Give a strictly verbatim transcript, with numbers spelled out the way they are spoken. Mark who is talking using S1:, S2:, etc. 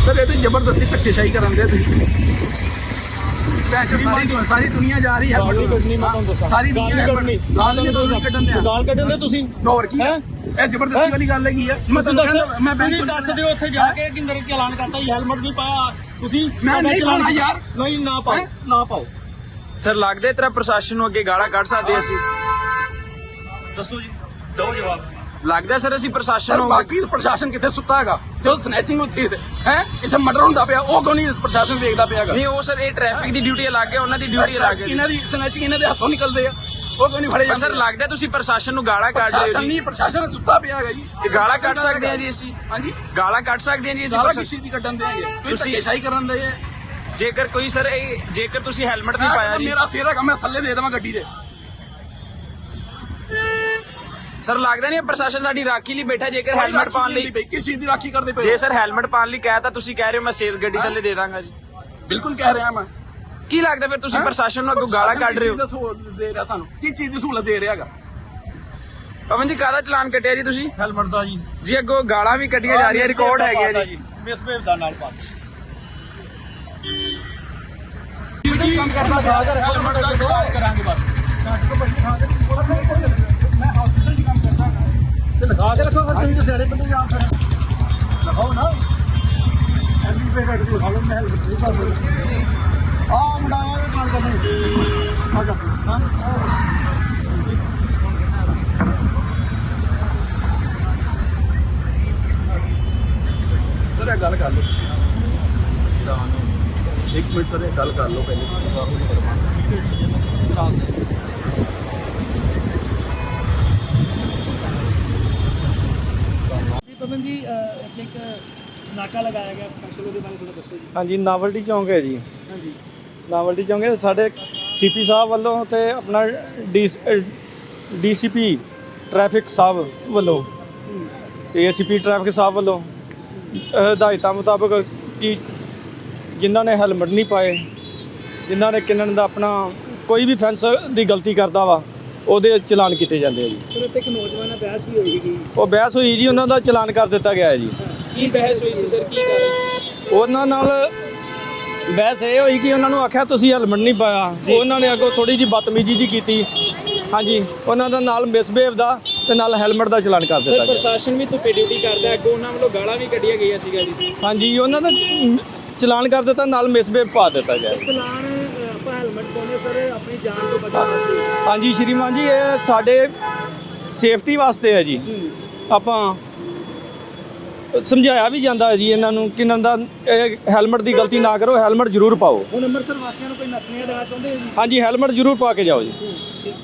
S1: sir ये तो जबरदस्ती धक्केशाही करन दे सारी दुनिया जा रही है सारी दुनिया गाल कड्ढन दे
S2: गाल कड्ढन दे तुसीं
S1: और की है ਇਹ ਜ਼ਬਰਦਸਤੀ ਵਾਲੀ ਗੱਲ ਹੈਗੀ ਆ ਮੈਂ ਤੁਹਾਨੂੰ ਕਹਿੰਦਾ ਮੈਂ ਬੈਂਕ
S2: ਤੁਸੀਂ ਦੱਸ ਦਿਓ ਉੱਥੇ ਜਾ ਕੇ ਕਿ ਮੇਰੇ ਚਲਾਨ ਕਰਤਾ ਹੈਲਮਟ ਨਹੀਂ ਪਾਇਆ ਤੁਸੀਂ
S1: ਮੈਂ ਨਹੀਂ ਪਾਉਣਾ ਯਾਰ
S2: ਨਹੀਂ ਨਾ ਪਾਓ ਨਾ ਪਾਓ
S3: ਸਰ ਲੱਗਦਾ ਤੇਰਾ ਪ੍ਰਸ਼ਾਸਨ ਨੂੰ ਅੱਗੇ ਗਾਲਾਂ ਕੱਢ ਸਕਦੇ ਅਸੀਂ
S2: ਦੱਸੋ ਜੀ ਦਿਓ ਜਵਾਬ
S3: ਲੱਗਦਾ ਸਰ ਅਸੀਂ ਪ੍ਰਸ਼ਾਸਨ ਨੂੰ
S1: ਬਾਕੀ ਪ੍ਰਸ਼ਾਸਨ ਕਿੱਥੇ ਸੁੱਤਾ ਹੈਗਾ ਜੋ ਸਨੈਚਿੰਗ ਹੁੰਦੀ ਹੈ ਇੱਥੇ ਮਰਡਰ ਹੁੰਦਾ ਪਿਆ ਉਹ ਕੋਈ ਨਹੀਂ ਪ੍ਰਸ਼ਾਸਨ ਵੇਖਦਾ ਪਿਆਗਾ
S3: ਨਹੀਂ ਉਹ ਸਰ ਇਹ ਟ੍ਰੈਫਿਕ ਦੀ ਡਿਊਟੀ ਅਲੱਗ ਹੈ ਉਹਨਾਂ ਦੀ ਡਿਊਟੀ ਅਲੱਗ ਹੈ
S1: ਇਹਨਾਂ ਦੀ ਸਨੈਚਿੰਗ ਇਹਨਾਂ ਦੇ ਹੱਥੋਂ ਨਿਕਲਦੇ ਆ ਉਹ ਕੋਈ ਨਹੀਂ ਫੜੇ ਜਾਂਦੇ
S3: ਸਰ ਲੱਗਦਾ ਤੁਸੀਂ ਪ੍ਰਸ਼ਾਸਨ ਨੂੰ ਗਾਲਾਂ ਕੱਢ ਰਹੇ ਹੋ ਜੀ
S1: ਨਹੀਂ ਪ੍ਰਸ਼ਾਸਨ ਸੁੱਤਾ ਪਿਆ ਹੈਗਾ ਜੀ
S3: ਇਹ ਗਾਲਾਂ ਕੱਢ ਸਕਦੇ ਆ ਜੀ ਅਸੀਂ
S1: ਹਾਂਜੀ
S3: ਗਾਲਾਂ ਕੱਢ ਸਕਦੇ ਆ ਜੀ ਅਸੀਂ
S1: ਗਾਲਾਂ ਕਿਸੇ ਦੀ ਕੱਢਣ ਦੇ ਤੁਸੀਂ ਧੱਕੇਸ਼ਾਹੀ ਕਰਨ ਦੇ
S3: ਜੇਕਰ ਕੋਈ ਸਰ ਇਹ ਜੇਕਰ ਤੁਸੀਂ ਹੈਲਮਟ ਨਹੀਂ ਪਾਇਆ ਜੀ
S1: ਮੇਰਾ ਸਿਰ ਹੈਗਾ ਮੈਂ ਥੱਲੇ ਦੇ ਦੇਵਾਂ ਗੱਡੀ ਦੇ
S3: ਸਰ ਲੱਗਦਾ ਨਹੀਂ ਪ੍ਰਸ਼ਾਸਨ ਸਾਡੀ ਰਾਖੀ ਲਈ ਬੈਠਾ ਜੇਕਰ ਹੈਲਮਟ ਪਾਉਣ ਲਈ
S1: ਕਿਸ ਚੀਜ਼ ਦੀ ਰਾਖੀ ਕਰਦੇ ਪਏ
S3: ਜੇ ਸਰ ਹੈਲਮਟ ਪਾਉਣ ਲਈ ਕਹਿ ਤਾਂ ਤੁਸੀਂ ਕਹਿ ਰਹੇ ਹੋ ਮੈਂ ਸੇਫ ਗੱਡੀ ਥੱਲੇ ਦੇ ਦਾਂਗਾ ਜੀ
S1: ਬਿਲਕੁਲ ਕਹਿ ਰਿਹਾ ਮੈਂ
S3: ਕੀ ਲੱਗਦਾ ਫਿਰ ਤੁਸੀਂ ਪ੍ਰਸ਼ਾਸਨ ਨੂੰ ਅੱਗੋਂ ਗਾਲਾਂ ਕੱਢ ਰਹੇ ਹੋ
S1: ਦੇ ਰਿਹਾ ਸਾਨੂੰ ਕੀ ਚੀਜ਼ ਦੀ ਸਹੂਲਤ ਦੇ ਰਿਹਾ ਹੈਗਾ
S3: ਪਵਨ ਜੀ ਕਾਹਦਾ ਚਲਾਨ ਕੱਟਿਆ ਜੀ ਤੁਸੀਂ
S2: ਹੈਲਮਟ ਦਾ ਜੀ
S3: ਜੀ ਅੱਗੋਂ ਗਾਲਾਂ ਵੀ ਕੱਢੀਆਂ ਜਾ ਰਹੀਆਂ ਰਿਕਾਰਡ ਹੈਗੇ ਜੀ
S2: ਮਿਸਬਿਹੇਵ ਦਾ ਨਾਲ ਪਾ
S1: ਡਿਊਟੀ ਕੰਮ ਕਰਦਾ
S2: ਹੈਲਮਟ ਦਾ ਚਲਾਨ ਕਰਾਂਗੇ ਬਸ
S1: ਮੈਂ ਹਸਪੀਟਲ 'ਚ ਕੰਮ ਕਰਦਾ ਤੇ ਲਗਾ ਕੇ ਰੱਖੋ ਤੁਸੀਂ ਤੇ ਸਿਆੜੇ ਬੰਦੇ ਜਾ ਫਿਰ ਲਗਾਓ ਨਾ ਐਂਟੀ ਪੇ ਕੱਟ ਕੇ ਲਗਾ ਲਓ ਮੈਂ ਹੈਲਮਟ ਨਹੀਂ ਪਾ ਆ ਮੁੰਡਾ ਆ ਕੰਮ ਕਰਦਾ ਆ ਜਾ ਹਾਂ ਸਰ ਗੱਲ ਕਰ ਲਓ ਇੱਕ ਮਿੰਟ ਸਰ ਗੱਲ ਕਰ ਲਓ ਪਹਿਲੇ
S4: ਪਵਨ ਜੀ ਇੱਥੇ ਇੱਕ ਨਾਕਾ ਲਗਾਇਆ ਗਿਆ ਸਪੈਸ਼ਲ ਉਹਦੇ ਬਾਰੇ ਥੋੜਾ ਦੱਸੋ ਜੀ
S5: ਹਾਂਜੀ ਨਾਵਲਟੀ ਚੌਂਕ ਹੈ ਜੀ
S4: ਹਾਂਜੀ
S5: ਨਾਵਲਟੀ ਚੌਂਕ ਹੈ ਸਾਡੇ ਸੀਪੀ ਸਾਹਿਬ ਵੱਲੋਂ ਤੇ ਆਪਣਾ ਡੀ ਡੀਸੀਪੀ ਟ੍ਰੈਫਿਕ ਸਾਹਿਬ ਵੱਲੋਂ ਤੇ ਏਸੀਪੀ ਟ੍ਰੈਫਿਕ ਸਾਹਿਬ ਵੱਲੋਂ ਹਦਾਇਤਾਂ ਮੁਤਾਬਕ ਕਿ ਜਿਨ੍ਹਾਂ ਨੇ ਹੈਲਮਟ ਨਹੀਂ ਪਾਏ ਜਿਨ੍ਹਾਂ ਨੇ ਕਿੰਨਣ ਦਾ ਆਪਣਾ ਕੋਈ ਵੀ ਫੈਂਸ ਦੀ ਗਲਤੀ ਕਰਦਾ ਵਾ ਉਹਦੇ ਚਲਾਨ ਕੀਤੇ ਜਾਂਦੇ ਆ ਜੀ
S4: ਸਰ ਇੱਥੇ ਇੱਕ ਨੌਜਵਾਨ ਨਾਲ ਬਹਿਸ ਵੀ ਹੋਈ ਸੀਗੀ
S5: ਉਹ ਬਹਿਸ ਹੋਈ ਜੀ ਉਹਨਾਂ ਦਾ ਚਲਾਨ ਕਰ ਦਿੱਤਾ ਗਿਆ ਹੈ ਜੀ
S4: ਕੀ ਬਹਿਸ ਹੋਈ ਸੀ ਸਰ ਕੀ ਕਾਰਨ ਸੀ
S5: ਉਹਨਾਂ ਨਾਲ ਬਹਿਸ ਇਹ ਹੋਈ ਕਿ ਉਹਨਾਂ ਨੂੰ ਆਖਿਆ ਤੁਸੀਂ ਹੈਲਮਟ ਨਹੀਂ ਪਾਇਆ ਉਹਨਾਂ ਨੇ ਅੱਗੋਂ ਥੋੜੀ ਜਿਹੀ ਬਦਤਮੀਜ਼ੀ ਜੀ ਕੀਤੀ ਹਾਂਜੀ ਉਹਨਾਂ ਦਾ ਨਾਲ ਮਿਸਬਿਹੇਵ ਦਾ ਤੇ ਨਾਲ ਹੈਲਮਟ ਦਾ ਚਲਾਨ ਕਰ ਦਿੱਤਾ
S4: ਸਰ
S5: ਗਿਆ
S4: ਪ੍ਰਸ਼ਾਸਨ ਵੀ ਧੁੱਪੇ ਡਿਊਟੀ ਕਰਦਾ ਅੱਗੋਂ ਉਹਨਾਂ ਵੱਲੋਂ ਗਾਲਾਂ ਵੀ ਕੱਢੀਆਂ ਗਈਆਂ ਸੀਗਾ ਜੀ
S5: ਹਾਂਜੀ ਉਹਨਾਂ ਦਾ ਚਲਾਨ ਕਰ ਦਿੱਤਾ ਨਾਲ ਮਿਸਬਿਹੇਵ ਪਾ ਦਿੱਤਾ ਗਿਆ
S4: ਚਲਾਨ ਆਪਾਂ ਹੈਲਮਟ ਪਾਉਂਦੇ ਸਰ ਆਪਣੀ ਜਾਨ ਤੋਂ ਬਚਾਉਣ ਵਾਸਤੇ
S5: ਹਾਂਜੀ ਸ਼੍ਰੀਮਾਨ ਜੀ ਇਹ ਸਾਡੇ ਸੇਫਟੀ ਵਾਸਤੇ ਹੈ ਜੀ ਆਪਾਂ ਸਮਝਾਇਆ ਵੀ ਜਾਂਦਾ ਹੈ ਜੀ ਇਹਨਾਂ ਨੂੰ ਕਿ ਇਹਨਾਂ ਦਾ ਹੈਲਮਟ ਦੀ ਗਲਤੀ ਨਾ ਕਰੋ ਹੈਲਮਟ ਜ਼ਰੂਰ ਪਾਓ
S4: ਹੁਣ ਅੰਮ੍ਰਿਤਸਰ ਵਾਸੀਆਂ ਨੂੰ ਕੋਈ ਨਸੀਹਤ ਦੇਣਾ ਚਾਹੁੰਦੇ ਹੋ ਜੀ
S5: ਹਾਂਜੀ ਹੈਲਮਟ ਜ਼ਰੂਰ ਪਾ ਕੇ ਜਾਓ ਜੀ